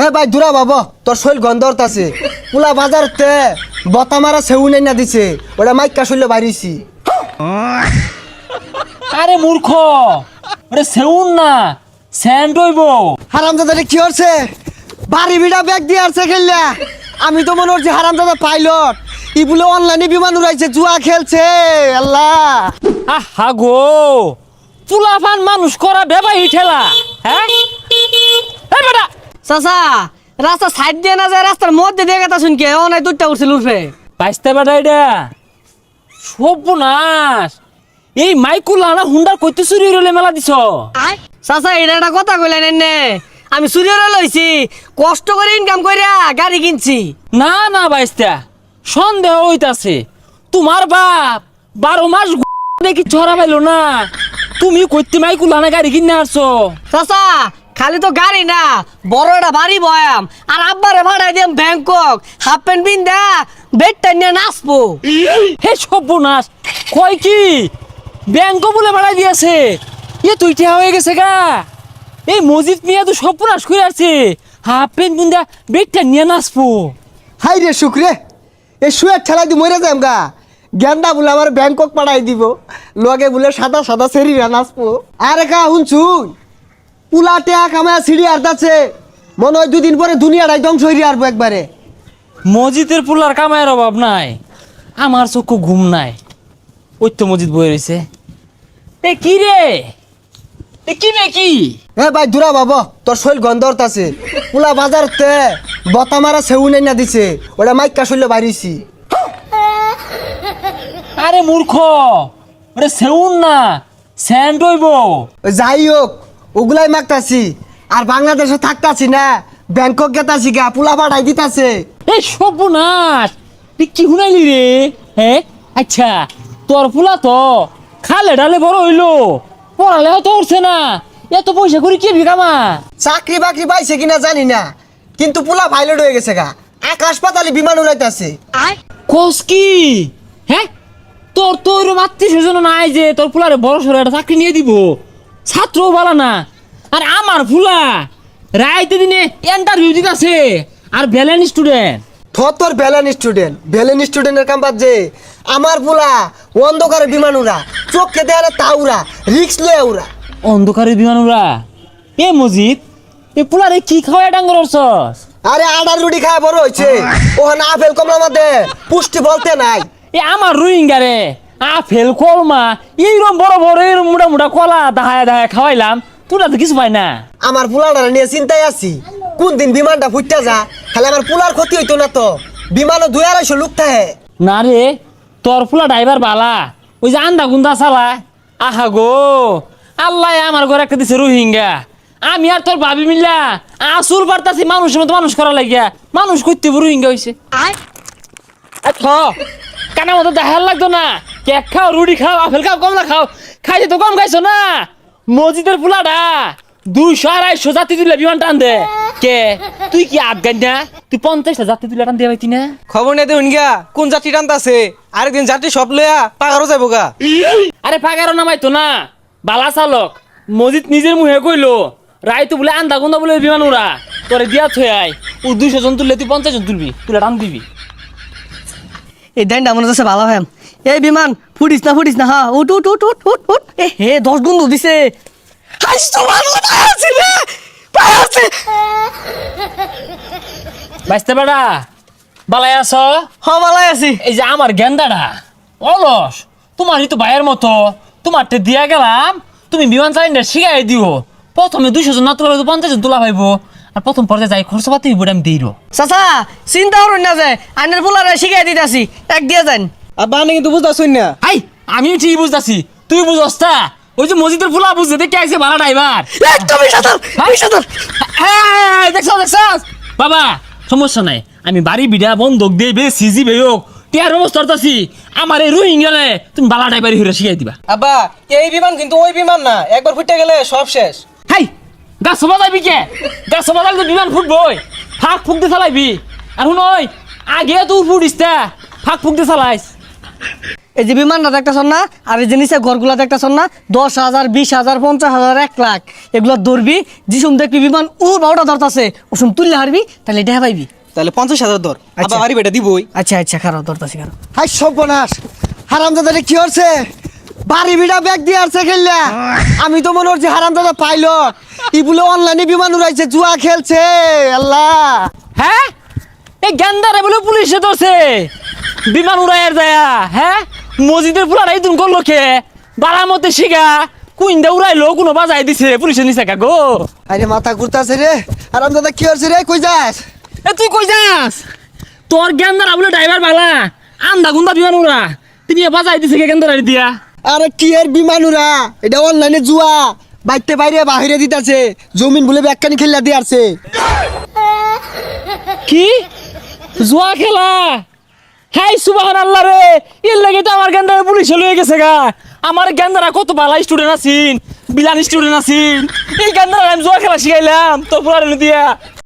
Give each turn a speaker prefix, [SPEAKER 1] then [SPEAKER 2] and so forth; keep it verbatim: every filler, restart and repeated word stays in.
[SPEAKER 1] এ ভাই দূরা বাবা তোর শৈল গন্ধরত আছে পুলা বাজারতে বতা মারা সেউ নাই না দিছে ওটা মাইকা শৈল বাড়িছি।
[SPEAKER 2] আরে মূর্খ, ওরে সেউন না স্যান্ড হইব।
[SPEAKER 1] হারামজাদা কি হচ্ছে বাড়ি বিড়া ব্যাগ দিয়ে আসছে খেললা। আমি তো মনে হচ্ছে হারামজাদা পাইলট ই বলে অনলাইনে বিমান উড়াইছে জুয়া খেলছে। আল্লাহ
[SPEAKER 2] আহা গো, চুলাফান মানুষ করা বেবাই ঠেলা। হ্যাঁ এই বেটা
[SPEAKER 3] চাচা রাস্তা সাইড দিয়ে না যায় রাস্তার মধ্যে দিয়ে গেতা শুনকে ও নাই দুধটা উঠছিল উঠবে
[SPEAKER 2] বাইসতে বেটা এটা সর্বনাশ। এই মাইকুলা না হুন্ডার কইতে চুরি হইলে মেলা দিছ।
[SPEAKER 3] চাচা এটা একটা কথা কইলেন এনে আমি চুরিরে লইছি কষ্ট করে ইনকাম কইরা গাড়ি কিনছি।
[SPEAKER 2] না না বাইস্তা সন্দেহ হইতাছে তোমার বাপ বারো মাস দেখি ছড়া পাইলো না, তুমি কইতে মাইকুলা না গাড়ি কিনে আসছো।
[SPEAKER 3] চাচা খালি তো গাড়ি না বড় একটা বাড়ি বয়াম আর আব্বারে ভাড়াই দিম ব্যাংকক হাফ প্যান্ট পিন্দা বেডটা নিয়ে নাচবো।
[SPEAKER 2] হে সর্বনাশ, কয় কি ব্যাংক বলে বাড়াই দিয়েছে? এ তুই ঠেয়া হয়ে গেছে গা। এই মজিদ মিয়া তো সর্বনাশ করে আছে, হাফ প্যান্ট বুন্দা বেগটা নিয়ে নাচবো।
[SPEAKER 1] হাই রে শুক্রে এ শুয়ে ঠেলাই দি মরে যাম গা। গেন্দা বলে আমার ব্যাংকক পাঠাই দিব লগে বলে সাদা সাদা সেরিরা নাচবো। আরে কা শুনছুন পুলা টেয়া কামায় সিঁড়ি আর্দাচ্ছে মনে হয় দুদিন পরে দুনিয়াটাই ধ্বংস হয়ে আসবো একবারে।
[SPEAKER 2] মসজিদের পুলার কামায়ের অভাব নাই, আমার চক্ষু ঘুম নাই। ওই তো মসজিদ বয়ে রয়েছে। এ কি রে, এ কি রে কি?
[SPEAKER 1] এ ভাই দূরা বাবা তোর শৈল গন্ধরত আছে পুলা বাজারতে বতা মারা সেউ নাই না দিছে ওটা মাইকা শৈল বাড়িছি।
[SPEAKER 2] আরে মূর্খ, ওরে সেউন না স্যান্ড হইব।
[SPEAKER 1] যাই হোক ওগুলাই মাগতাছি আর বাংলাদেশে থাকতাছি না ব্যাংকক গেতাছি গা পুলা পাঠাই দিতাছে।
[SPEAKER 2] এই সর্বনাশ, তুই কি শুনাইলি রে? হ্যাঁ আচ্ছা, তোর ফুলা তো খালে ডালে বড় হইলো, পড়ালেও তো উঠছে না, এত পয়সা করে কি বিকামা?
[SPEAKER 1] চাকরি বাকরি পাইছে কিনা জানি না কিন্তু পুলা পাইলট হয়ে গেছে গা, আকাশ পাতালে বিমান উড়াইতাছে।
[SPEAKER 2] কোস কি? হ্যাঁ তোর তো ওইরকম আত্মীয় স্বজন নাই যে তোর ফুলারে বড় সড়ো একটা চাকরি নিয়ে দিব, ছাত্রও বলা না। আর আমার ফুলা রাইতে দিনে ইন্টারভিউ দিতেছে আর ভ্যালেন্ট স্টুডেন্ট।
[SPEAKER 1] থর তোর ভ্যালেন স্টুডেন্ট ভ্যালেন স্টুডেন্টের কাম বাদ যে আমার পুলা অন্ধকারে বিমান উড়া চোখকে দেয়ালে তা উড়া রিক্স লয়ে উড়া।
[SPEAKER 2] অন্ধকারে বিমান উড়া? এ মজিদ এ পুলারে কি খাওয়া ডাঙ্গর অর্চস?
[SPEAKER 1] আরে আডার রুটি খায় বড় হয়েছে ওখানে আপেল কমলা মধ্যে পুষ্টি বলতে নাই।
[SPEAKER 2] এ আমার রোহিঙ্গা রে আপেল কলমা এইরকম বড় বড় এরকম মোটা মোটা কলা দাহায় দাহায় খাওয়াইলাম, তোরা তো কিছু পাই না।
[SPEAKER 1] আমার পুলাটা নিয়ে চিন্তায় আছি কোন দিন বিমানটা ফুটতে যা, খালি আমার পুলার ক্ষতি হইতো না তো। বিমানও দুই আড়াইশো লোক থাকে।
[SPEAKER 2] না রে তোর ফুলা ড্রাইভার বালা, ওই যে আন্দা গুন্দা চালা। আহা গো আল্লাহ আমার ঘরে একটা দিছে রোহিঙ্গা, আমি আর তোর ভাবি মিল্লা আসুর বার্তাছি মানুষের মতো মানুষ করা লাগিয়া মানুষ করতে রোহিঙ্গা হয়েছে। কানা মতো দেখার লাগতো না, কেক খাও রুটি খাও আপেল খাও কমলা খাও, খাইতে তো কম খাইছো না। মসজিদের ফুলাটা দুইশো আড়াইশো জাতি তুলে বিমান টান দে। কে তুই কি আফগান না? তুই পঞ্চাশটা জাতি তুলে টান দিয়ে পাইতি না?
[SPEAKER 4] খবর নেই দেখুন গা কোন যাত্রী টানতাছে, আরেকদিন যাত্রী সব লইয়া পাগারও যাবো গা।
[SPEAKER 2] আরে পাগারও নামাইতো না, বালা চালক মসজিদ নিজের মুহে কইলো রায় তো বলে আন্দা গুন্দা বলে বিমান উড়া তোরে দিয়া থই আই, ও দুইশো জন তুললে তুই পঞ্চাশ জন তুলবি, তুলে টান দিবি।
[SPEAKER 3] এই দেন মনে হচ্ছে ভালো হ্যাম। এই বিমান ফুটিস না ফুটিস না হ্যাঁ উঠ উঠ উঠ উঠ উঠ উঠ। এ হে দশ গুণ দিছে।
[SPEAKER 2] বাইসতে বেড়া বালাই আছ?
[SPEAKER 3] হ ভালাই আছি।
[SPEAKER 2] এই যে আমার গেন্দাটা অলস, তোমারই তো ভাইয়ের মতো, তোমারটা দিয়া গেলাম তুমি বিমান চালিনা শিখাই দিও। প্রথমে দুইশো জন না তোলা পঞ্চাশ জন তোলা পাইবো, আর প্রথম পর্যায়ে যাই খরচ পাতি হইব আমি দিই।
[SPEAKER 3] চাচা চিন্তা করুন না যে আইনের পোলারে শিখাই দিতেছি এক দিয়ে যান।
[SPEAKER 4] আর বানে কিন্তু বুঝতেছুন না।
[SPEAKER 2] আই আমি ঠিক বুঝতেছি, তুই বুঝস তা? ওই যে মসজিদের ফুলা বুঝতে দেখে আইছে ভাড়া ড্রাইভার।
[SPEAKER 3] একদমই সাঁতার সাঁতার।
[SPEAKER 2] দেখছ দেখছ বাবা, সমস্যা নাই, আমি বাড়ি বিড়া বন্ধক দিয়ে বে সিজি বে হোক টিয়ার ব্যবস্থা করতেছি। আমার এই রোহিঙ্গালে তুমি বালা ড্রাইভারি হইরা শিখাই দিবা।
[SPEAKER 4] আব্বা এই বিমান কিন্তু ওই বিমান না, একবার ফুটে গেলে সব শেষ।
[SPEAKER 2] হাই গাছ বাজাইবি কে? গাছ বাজাইলে তো বিমান ফুটবই, ফাঁক ফুক দিয়ে চালাইবি। আর শুন ওই আগে তুই ফুটিস তা ফাঁক ফুক দিয়ে চালাইস।
[SPEAKER 3] এই যে বিমানটা দেখতেছন না আর এই যে নিচে ঘরগুলা দেখতেছন না দশ হাজার বিশ হাজার পঞ্চাশ হাজার এক লাখ এগুলো ধরবি যিসুম দেখবি বিমান ও বারোটা ধরতাছে ওসুম তুললে হারবি তাহলে এটা পাইবি।
[SPEAKER 4] তাহলে পঞ্চাশ হাজার ধর
[SPEAKER 3] আচ্ছা।
[SPEAKER 4] আবার বাড়ি বেটা দিবই।
[SPEAKER 3] আচ্ছা আচ্ছা খারাপ ধরতাছি খারাপ।
[SPEAKER 1] হাই সর্বনাশ হারামজাদারে কি হচ্ছে বাড়ি বিড়া ব্যাগ দিয়ে আসছে খেললা আমি তো মনে হচ্ছে হারামজাদা পাইলট ই বলে অনলাইনে বিমান উড়াইছে জুয়া খেলছে আল্লাহ।
[SPEAKER 2] হ্যাঁ এই গেন্দারে বলে পুলিশে ধরছে বিমান উড়াইয়ার যায়া। হ্যাঁ মসজিদের পুলারাই তুমি করলো খে বাড়ার মধ্যে শিখা কুইন্দা উড়াইলো কোনো বাজাই দিছে পুলিশে নিছে কা গো।
[SPEAKER 1] আরে মাথা ঘুরতাছে রে হারামজাদা কি হচ্ছে রে কই যাস?
[SPEAKER 2] এ তুই কই যাস? তোর গেন্দারা বলে ড্রাইভার বালা আন্দা গুন্দা বিমান উড়া তুমি বাজাই দিছে কে গেন্দারা দিয়া।
[SPEAKER 1] আরে কি এর বিমান উড়া এটা অনলাইনে জুয়া বাইতে বাইরে বাহিরে দিতাছে জমিন বলে ব্যাগখানি খেললা দিয়ে আসছে।
[SPEAKER 2] কি জুয়া খেলা? হাই সুবহান আল্লাহ রে এর লাগে তো আমার গেন্দারা পুলিশে লয়ে গেছে গা। আমার গেন্দারা কত ভালো স্টুডেন্ট আছিন বিলান স্টুডেন্ট আছিন এই গেন্দারা আমি জুয়া খেলা শিখাইলাম তোর পুরানো দিয়া।